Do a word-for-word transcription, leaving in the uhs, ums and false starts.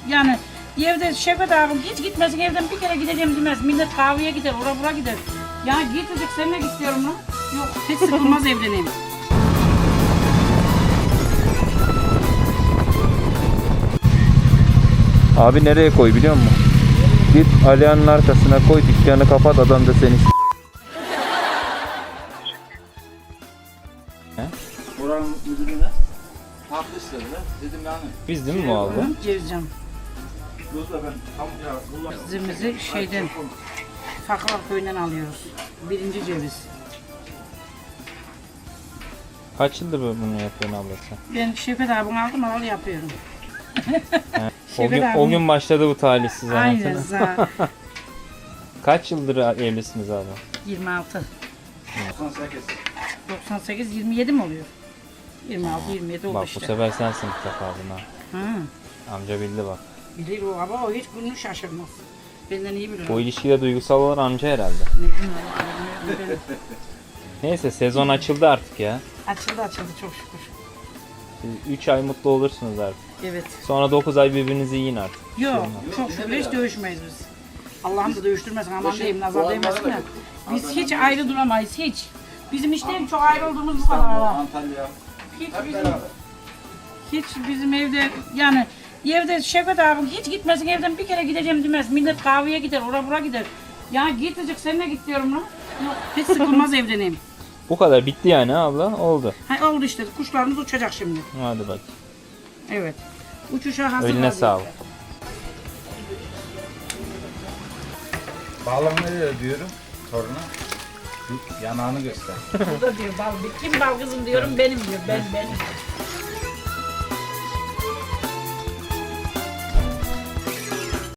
yani evde Şevket abim hiç gitmesin, evden bir kere gideceğim demez. Millet kahveye gider, ora bura gider. Ya gitmeyecek, seninle git diyorum lan. Yok, hiç sıkılmaz evdeneyim. Abi nereye koy biliyor musun? Git Alihan'ın arkasına koy, dükkanı kapat, adam da seni s- Oranın müdürüne tatlı istediler. Dedim yani. Biz değil mi bu aldı? Cevizcan. Yoksa ben tam ya bunlar. Cevizimizi şeyden, Faklar köyünden alıyoruz. Birinci ceviz. Kaç yıldır bunu yapıyorsun ablası? Ben Şevket abim aldım, alalı yapıyorum. O gün, o gün başladı bu talihsiz Aynen. anlatına. za- Kaç yıldır evlisiniz abi? yirmi altı. doksan sekiz. doksan sekiz, yirmi yedi mi oluyor? yirmi altı, yirmi yedi oldu Bak işte. bu sefer sen sınıfta kaldın ha. Hı. Amca bildi bak. Bilir o ama o hiç gününü şaşırmaz. Benden iyi bilir. o. Bu ilişkide duygusal olan amca herhalde. Ne bileyim ama, bilmiyorum, bilmiyorum. Neyse sezon açıldı artık ya. Açıldı açıldı çok şükür. üç ay mutlu olursunuz artık. Evet. Sonra dokuz ay birbirinizi yiyin artık. Yok çok şükür hiç dövüşmeyiz biz. Allah'ım da dövüştürmesin, aman diyeyim, nazar değmesin de. Biz hiç ayrı duramayız hiç. Bizim işte en çok ayrı olduğumuz bu kadar. Antalya. Hiç Hep bizim, beraber. hiç bizim evde yani evde Şevket abim hiç gitmesin, evden bir kere gideceğim demez. Millet kahveye gider, ora bura gider. Ya gitmeyecek, seninle git diyorum lan. Yok, hiç sıkılmaz evdeneyim. Bu kadar bitti yani abla, oldu. Ha, oldu işte, kuşlarımız uçacak şimdi. Hadi bak. Evet. Uçuşa hazır. Eline sağlık. Bağlam nereye diyorum toruna? Şu yanağını göster. Burada diyor bal, kim bal kızım diyorum, benim diyor, ben benim.